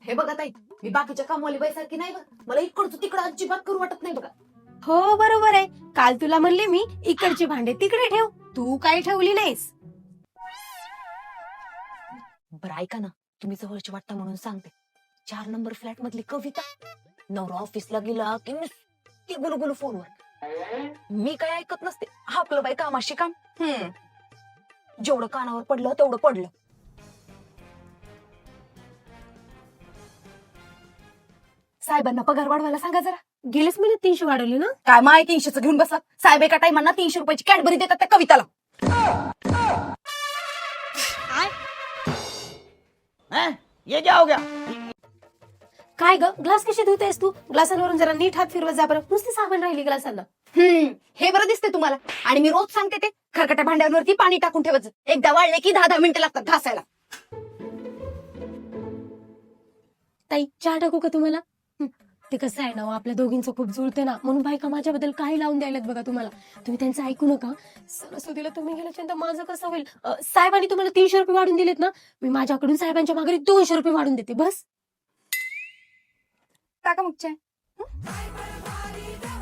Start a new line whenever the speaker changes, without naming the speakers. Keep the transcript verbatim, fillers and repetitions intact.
हे बघा ताई, मी बाकीच्या कामवाली बाईसारखी नाही बघ. मला इकडचं तिकडं अजिबात करू वाटत नाही बघा.
हो बरोबर आहे. काल तुला म्हणले मी इकडची भांडे तिकडे ठेव, तू काही ठेवली नाहीस.
बरं ऐका ना, तुम्ही जवळची वाटता म्हणून सांगते. चार नंबर फ्लॅट मधली कविता नवरा ऑफिसला गेला की नुसती गुलगुलू फोनवर. मी काय ऐकत नसते, आपलं बाई कामाशी काम. हम्म जेवढं कानावर पडलं तेवढं पडलं. साहेबांना पगार वाढवायला सांगा जरा.
गेलेच महिन्यात तीनशे वाढवली ना.
काय माय तीनशेच घेऊन बसला. साहेब एका टाइमांना तीनशे रुपयाची कॅडबरी देतात त्या कविताला.
हैं? ये क्या हो गया?
काय ग, ग्लास कशी धुतेस तू? ग्लासांवरून जरा नीट हात फिरवत जा बरं. नुसती साबण राहिली ग्लासांना.
हम्म हे बरं दिसते तुम्हाला. आणि मी रोज सांगते ते खरकट्या भांड्यांवरती पाणी टाकून ठेवायचं. एकदा वाळले की दहा दहा मिनिटं लागतात घासायला.
ताई चहा टाकू का तुम्हाला? हं, ते कसं आहे ना हो, आपल्या दोघींचं खूप जुळते ना, म्हणून बायका माझ्याबद्दल काही लावून द्यायलात बघा तुम्हाला. तुम्ही त्यांचं ऐकू नका. सरस्वतीला तुम्ही गेल्याच्या माझं कसं होईल? अं, साहेबांनी तुम्हाला तीनशे रुपये वाढून दिलेत ना, मी माझ्याकडून साहेबांच्या मागे दोनशे रुपये वाढून देते बस.
टाका मग चहा.